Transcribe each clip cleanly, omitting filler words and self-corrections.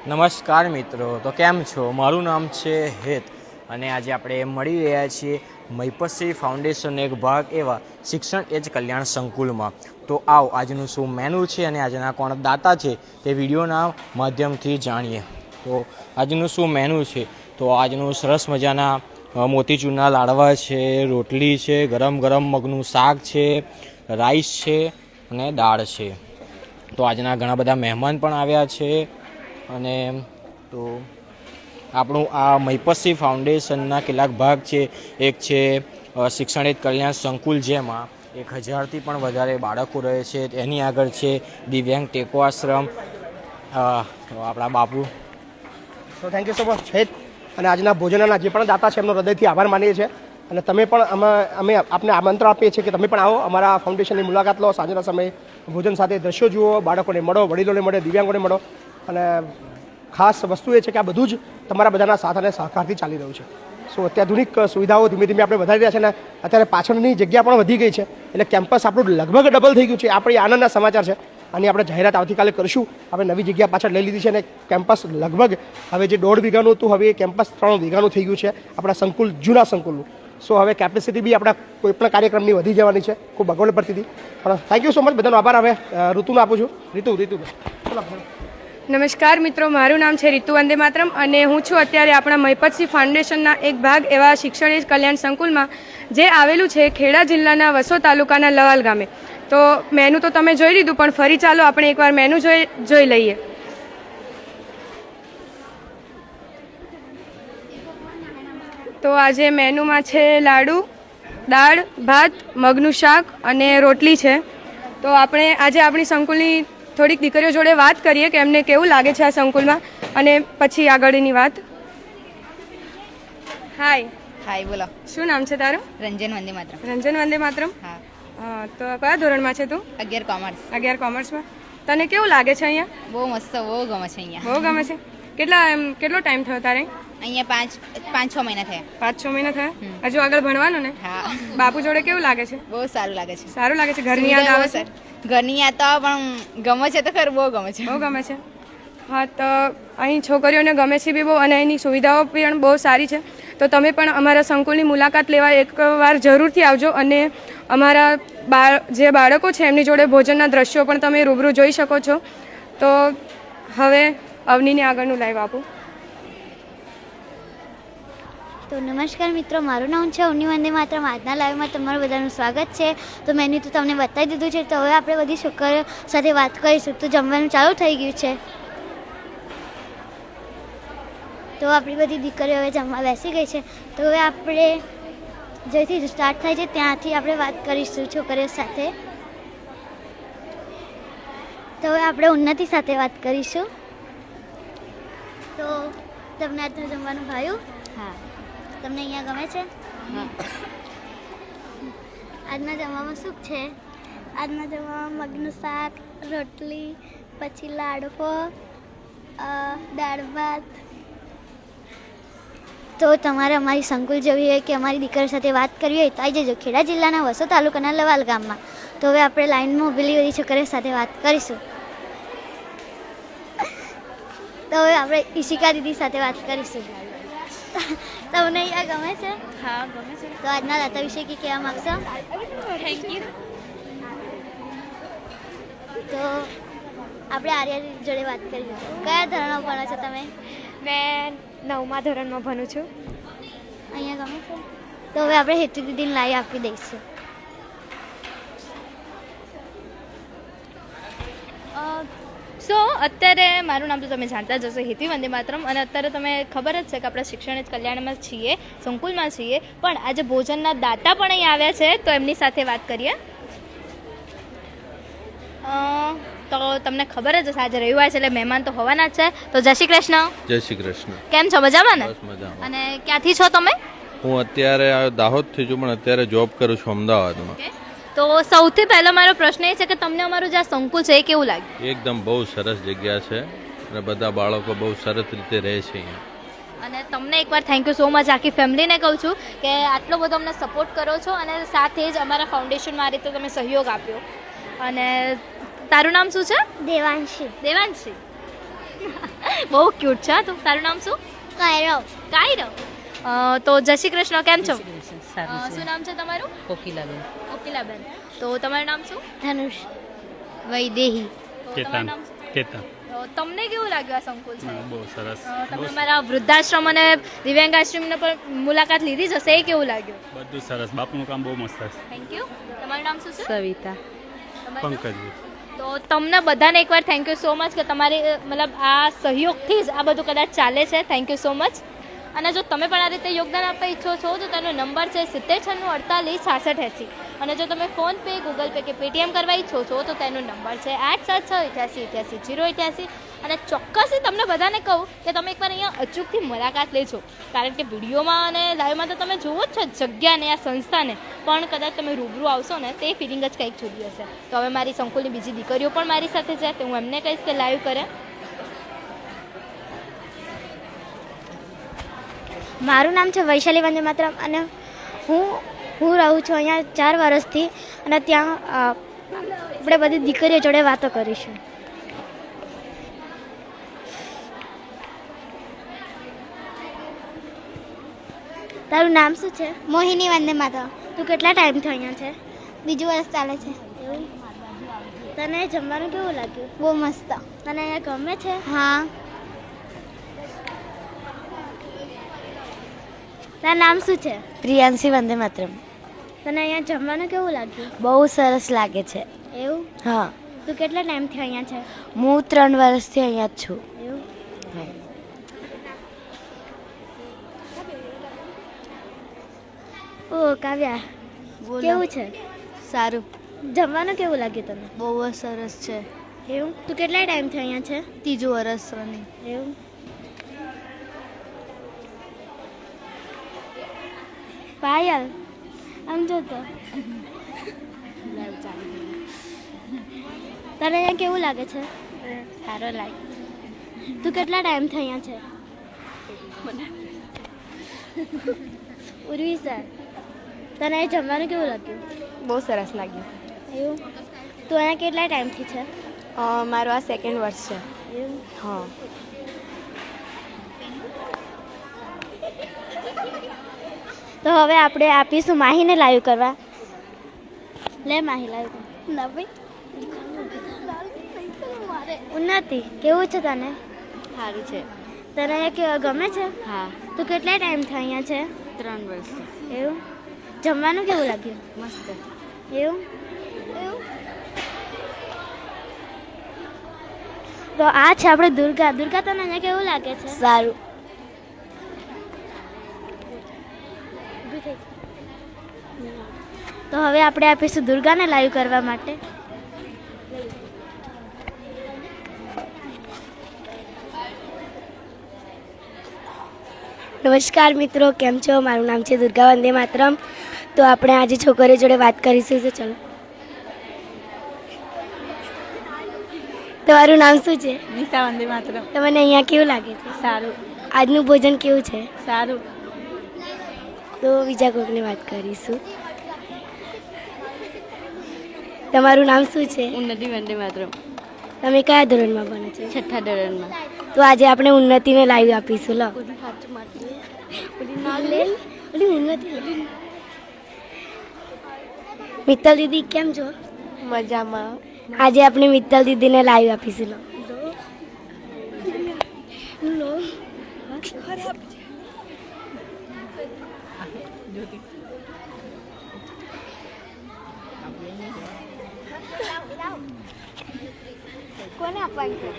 નમસ્કાર મિત્રો, તો કેમ છો? મારું નામ છે હેત અને આજે આપણે મળી રહ્યા છીએ મહિપતશ્રી ફાઉન્ડેશન એક ભાગ એવા શિક્ષણ એજ કલ્યાણ સંકુલમાં. તો આવો આજનું શું મેનુ છે અને આજના કોણ દાતા છે તે વિડીયોના માધ્યમથી જાણીએ. તો આજનું શું મેનુ છે, તો આજનું સરસ મજાના મોતીચૂરના લાડવા છે, રોટલી છે, ગરમ ગરમ મગનું શાક છે, રાઈસ છે અને દાળ છે. તો આજના ઘણા બધા મહેમાન પણ આવ્યા છે. અને તો આપણું આ મહિપતશ્રી ફાઉન્ડેશનના કેટલાક ભાગ છે. એક છે શિક્ષણ એજ કલ્યાણ સંકુલ, જેમાં 1000થી પણ વધારે બાળકો રહે છે. એની આગળ છે દિવ્યાંગ ટેકો આશ્રમ, આપણા બાપુ. તો થેન્ક યુ સો મચ હેત. અને આજના ભોજનના જે પણ દાતા છે એમનો હૃદયથી આભાર માનીએ છીએ. અને તમે પણ અમે આપને આમંત્રણ આપીએ છીએ કે તમે પણ આવો, અમારા ફાઉન્ડેશનની મુલાકાત લો. સાંજના સમયે ભોજન સાથે દ્રશ્યો જુઓ, બાળકોને મળો, વડીલોને મળો, દિવ્યાંગોને મળો. અને ખાસ વસ્તુ એ છે કે આ બધું જ તમારા બધાના સાથ અને સહકારથી ચાલી રહ્યું છે. સો અત્યાધુનિક સુવિધાઓ ધીમે ધીમે આપણે વધારી રહ્યા છે. અને અત્યારે પાછળની જગ્યા પણ વધી ગઈ છે, એટલે કેમ્પસ આપણું લગભગ ડબલ થઈ ગયું છે. આપણી આનંદના સમાચાર છે. આની આપણે જાહેરાત આવતીકાલે કરીશું. આપણે નવી જગ્યા પાછળ લઈ લીધી છે અને કેમ્પસ લગભગ હવે જે 1.5 વીઘાનું હતું, હવે એ કેમ્પસ 3 વીઘાનું થઈ ગયું છે, આપણા સંકુલ, જૂના સંકુલનું. સો હવે કેપેસિટી બી આપણા કોઈપણ કાર્યક્રમની વધી જવાની છે. ખૂબ અગવડ પડતી હતી. પણ થેન્ક યુ સો મચ, બધાનો આભાર. હવે ઋતુને આપું છું. રીતુ ચલો. નમસ્કાર મિત્રો, મારું નામ છે રીતુ વંદે માતરમ અને હું છું અત્યારે આપણા મહિપતશ્રી ફાઉન્ડેશનના એક ભાગ એવા શિક્ષણ એજ કલ્યાણ સંકુલમાં, જે આવેલું છે ખેડા જિલ્લાના વસો તાલુકાના લવાલ ગામે. તો મેનુ તો તમે જોઈ લીધું, પણ ફરી ચાલો આપણે એકવાર મેનુ જોઈ લઈએ. તો આજે મેનુમાં છે લાડુ, દાળ, ભાત, મગનું શાક અને રોટલી છે. તો આપણે આજે આપણી સંકુલની થોડીક દીકરીઓ જોડે વાત કરીએ કે એમને કેવું લાગે છે આ સંકુલમાં, અને પછી આગળની વાત. હાય, બોલો. શું નામ છે તારું? રંજન વંદે માતરમ. રંજન વંદે માતરમ. હા. તો કયા ધોરણમાં છે તું? 11 કોમર્સ. 11 કોમર્સમાં. તને કેવું લાગે છે અહીંયા? બહુ મસ્ત, બહુ ગમે છે અહીંયા. બહુ ગમે છે. કેટલો ટાઈમ થયો તારે અહીંયા 5-6 મહિના થયા. 5-6 મહિના થયા. હજુ આગળ ભણવાનું ને? હા. બાપુ જોડે કેવું લાગે છે? બહુ સારું લાગે છે. સારું લાગે છે. ઘરની યાદ આવે છે? ઘરની યાદ તો પણ ગમે છે તો ખરું, બહુ ગમે છે. બહુ ગમે છે. હા, તો અહીં છોકરીઓને ગમે છે બી બહુ, અને અહીંની સુવિધાઓ પણ બહુ સારી છે. તો તમે પણ અમારા સંકુલની મુલાકાત લેવા એકવાર જરૂરથી આવજો. અને અમારા જે બાળકો છે એમની જોડે ભોજનના દ્રશ્યો પણ તમે રૂબરૂ જોઈ શકો છો. તો હવે અવનીને આગળનું લાઈવ આપું. તો નમસ્કાર મિત્રો, મારું નામ છે અવની વંદે માતરમ. આજના લાઈવમાં તમારું બધાનું સ્વાગત છે. તો મેન્યુ તો તમને બતાવી દીધું છે. તો હવે આપણે બધી છોકરીઓ સાથે વાત કરીશું. તો જમવાનું ચાલુ થઈ ગયું છે. તો આપણી બધી દીકરીઓ હવે જમવા બેસી ગઈ છે. તો હવે આપણે જેથી સ્ટાર્ટ થાય છે ત્યાંથી આપણે વાત કરીશું છોકરીઓ સાથે. તો હવે આપણે ઉન્નતિ સાથે વાત કરીશું. તો તમને આજનું જમવાનું ભાવ્યું? હા. તમને અહીંયા ગમે છે? હા. આજના જમવામાં શું છે? આજના જમવામાં મગનું શાક, રોટલી, પછી લાડવો, દાળ ભાત. તો તમારે અમારી સંકુલ જવી હોય કે અમારી દીકરી સાથે વાત કરવી હોય તો આવી જજો ખેડા જિલ્લાના વસો તાલુકાના લવાલ ગામમાં. તો હવે આપણે લાઈનમાં ઊભેલી બધી છોકરીઓ સાથે વાત કરીશું. તો હવે આપણે ઈશિકા દીદી સાથે વાત કરીશું. તમને અહીંયા ગમે છે? હા, ગમે છે. તો આજના દાતા વિશે કે કહેવા માગશો? Thank you. તો આપણે આર્યા જોડે વાત કરીશું. કયા ધોરણમાં ભણો છો તમે? મેં 9મા ધોરણમાં ભણું છું. અહીંયા ગમે છે? તો હવે આપણે હેતુ દીદીને લાવી આપી દઈશું. સો અત્યારે મારું નામ તો તમે જાણતા જ હશો, હેતી વંદે માતરમ. અને અત્યારે તમે ખબર જ છે કે આપણે શિક્ષણ એજ કલ્યાણમાં છીએ, સંકુલમાં છીએ. પણ આજે ભોજનના દાતા પણ અહીં આવ્યા છે, તો એમની સાથે વાત કરીએ. તો તમને ખબર જ હશે આજે રવિવાર છે એટલે મહેમાન તો હોવાના જ છે. તો જય શ્રી કૃષ્ણ. જય શ્રી કૃષ્ણ. કેમ છો? મજામાં ને? બસ મજામાં. અને ક્યાંથી છો તમે? હું અત્યારે દાહોદથી છું, પણ અત્યારે જોબ કરું છું અમદાવાદમાં. તો સૌથી પહેલો મારો પ્રશ્ન એ છે કે તમને અમારું જે આ સંકુલ છે એ કેવું લાગ્યું? એકદમ બહુ સરસ જગ્યા છે અને બધા બાળકો બહુ સરસ રીતે રહે છે અહીંયા. અને તમને એકવાર થેન્ક યુ સો મચ. આખી ફેમિલીને કહું છું કે આટલો બધો અમને સપોર્ટ કરો છો અને સાથે જ અમારા ફાઉન્ડેશનમાં આ રીતે તમે સહયોગ આપ્યો. અને તારું નામ શું છે? દેવાંશી. દેવાંશી. બહુ ક્યુટ છે તું. તારું નામ શું? કાયરો કાયરો. તો જય શ્રી કૃષ્ણ, કેમ છો? સારું છે. શું નામ છે તમારું? કોકિલાબેન. કોકિલાબેન. તો તમારું નામ શું? ધનુષ વૈદેહી તો તમારું નામ શું? કેતન. તો તમને કેવું લાગ્યું આ સંકુલ છે? બહુ સરસ. તમે અમારા વૃદ્ધાશ્રમ અને દિવ્યાંગાશ્રમની પણ મુલાકાત લીધી જ હશે, એ કેવું લાગ્યું? બધું સરસ. બાપુનું કામ બહુ મસ્ત છે. Thank you. તમારું નામ શું છે? સવિતા. તમારું નામ? પંકજજી. તો તમને બધાને એકવાર થેન્ક યુ સો મચ કે તમારી મતલબ આ સહયોગથી જ આ બધું કદાચ ચાલે છે. Thank you so much. અને જો તમે પણ આ રીતે યોગદાન આપવા ઈચ્છો છો તો તેનો નંબર છે 7096486680. અને જો તમે ફોનપે, ગૂગલ પે કે પેટીએમ કરવા ઈચ્છો છો તો તેનો નંબર છે 8768888088. અને ચોક્કસથી તમને બધાને કહું કે તમે એકવાર અહીંયા અચૂકથી મુલાકાત લેજો, કારણ કે વિડીયોમાં અને લાઈવમાં તો તમે જુઓ જ છો જગ્યાને, આ સંસ્થાને, પણ કદાચ તમે રૂબરૂ આવશો ને તે ફિલિંગ જ કંઈક જુદી હશે. તો હવે મારી સંકુલની બીજી દીકરીઓ પણ મારી સાથે છે, તો હું એમને કહીશ કે લાઈવ કરે. મારું નામ છે વૈશાલી વંદે માતરમ અને હું રહું છું અહીંયા 4 વર્ષથી અને ત્યાં આપણે બધી દીકરીઓ જોડે વાતો કરીશું. તારું નામ શું છે? મોહિની વંદે માતરમ. તું કેટલા ટાઈમથી અહીંયા છે? બીજું વર્ષ ચાલે છે. તને જમવાનું કેવું લાગ્યું? બહુ મસ્ત. તને અહીંયા ગમે છે? હા. તારું નામ શું છે? પ્રિયાંશી વંદે માતરમ. તને અહીંયા જમવાનું કેવું લાગ્યું? બહુ સરસ લાગે છે. એવું? હા. તું કેટલા ટાઈમથી અહીંયા છે? હું 3 વર્ષથી અહીંયા જ છું. એવું? ઓ કાવ્યા, કેવું છે? સારું. જમવાનું કેવું લાગ્યું તને? બહુ જ સરસ છે. એવું? તું કેટલા ટાઈમથી અહીંયા છે? 3 વર્ષ રનિંગ. એવું? પાયલ, આમ જો તો. તને અહીંયા કેવું લાગે છે? સારો લાગે. તું કેટલા ટાઈમથી અહીંયા છે? ઉર્વી સર, તને અહીં જમવાનું કેવું લાગ્યું? બહુ સરસ લાગ્યું. એવું? તું અહીંયા કેટલા ટાઈમથી છે? મારું આ 2nd વર્ષ છે. એવું? હા. તો હવે આપણે આપીશું માહીને લાઈવ કરવા. લે માહી લાઈવ કર. ના ભાઈ. ઉન્નતિ, કેવું છે તને? સારું છે. તને અહીંયા ગમે છે? હા. તું કેટલા ટાઈમથી અહીંયા છે? 3 વર્ષ. એવું? જમવાનું કેવું લાગ્યું? મસ્ત. એવું? તો આ છે આપણે દુર્ગા. દુર્ગા, તને અહીંયા કેવું લાગે છે? સારું. તો હવે આપણે આપીશું દુર્ગાને લાઈવ કરવા માટે. નમસ્કાર મિત્રો, કેમ છો? મારું નામ છે દુર્ગા વંદે માતરમ. તો આપણે આજે છોકરીઓ જોડે વાત કરીશું. તો ચલો. તમારું નામ શું છે? નિશા વંદે માતરમ. તમને અહીંયા કેવું લાગે છે? સારું. આજનું ભોજન કેવું છે? સારું. તો બીજા કોઈકને વાત કરીશું. તમારું નામ શું છે? ઉન્નતિ વંદે માતરમ. તમે કયા ધોરણમાં ભણો છો? 6ઠ્ઠા ધોરણમાં. તો આજે આપણે ઉન્નતિને લાઈવ આપીશું. લો મિત્તલ દીદી, કેમ છો? મજામાં. આજે આપણે મિત્તલ દીદીને લાઈવ આપીશું. લો કોને આપવાની છે?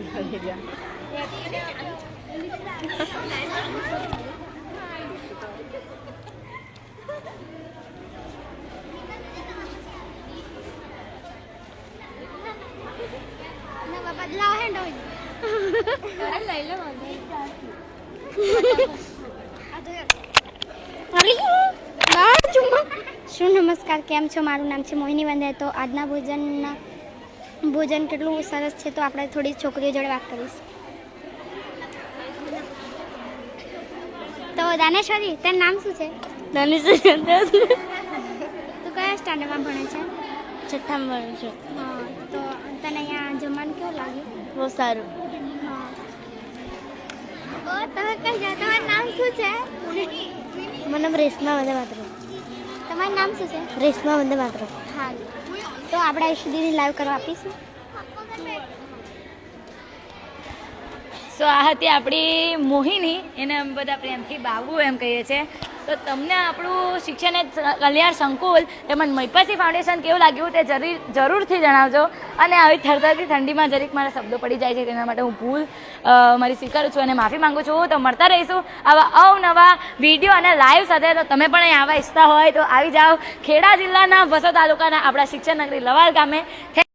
બદલાવ હેન્ડ શું નમસ્કાર, કેમ છો? મારું નામ છે મોહિની વંદે. તો આજના ભોજન કેટલું સરસ છે, તો આપણે થોડી છોકરીઓ જોડે વાત કરીશું. તો દાનેશ્વરી, તારું નામ શું છે? તું કયા સ્ટાન્ડર્ડમાં ભણે છે? 6ઠ્ઠામાં ભણું છું. હા. તો તને અહીંયા જમવાનું કેવું લાગ્યું? બહુ સારું. હા. તમે કઈ જાઓ? તમારું નામ શું છે? મારું નામ રેશમા વંદે માતરમ. તમારું નામ શું છે? રેશમા વંદે માતરમ. હા, તો આપણે આ સુધીની લાઈવ કરવા આપીશું. સો આ હતી આપણી મોહિની, એને અમે બધા પ્રેમથી બાબુ એમ કહીએ છીએ. તો તમને આપણું શિક્ષણ કલ્યાણ સંકુલ તેમજ મૈપસી ફાઉન્ડેશન કેવું લાગ્યું તે જરૂરથી જણાવજો. અને આવી થરથરતી ઠંડીમાં જરીક મારા શબ્દો પડી જાય છે, તેના માટે હું ભૂલ મારી સ્વીકારું છું અને માફી માંગુ છું. તો મળતા રહીશું આવા અવનવા વિડીયો અને લાઈવ સાથે. તો તમે પણ અહીં આવવા ઈચ્છતા હોય તો આવી જાઓ ખેડા જિલ્લાના વસો તાલુકાના આપણા શિક્ષણ નગરી લવાલ ગામે.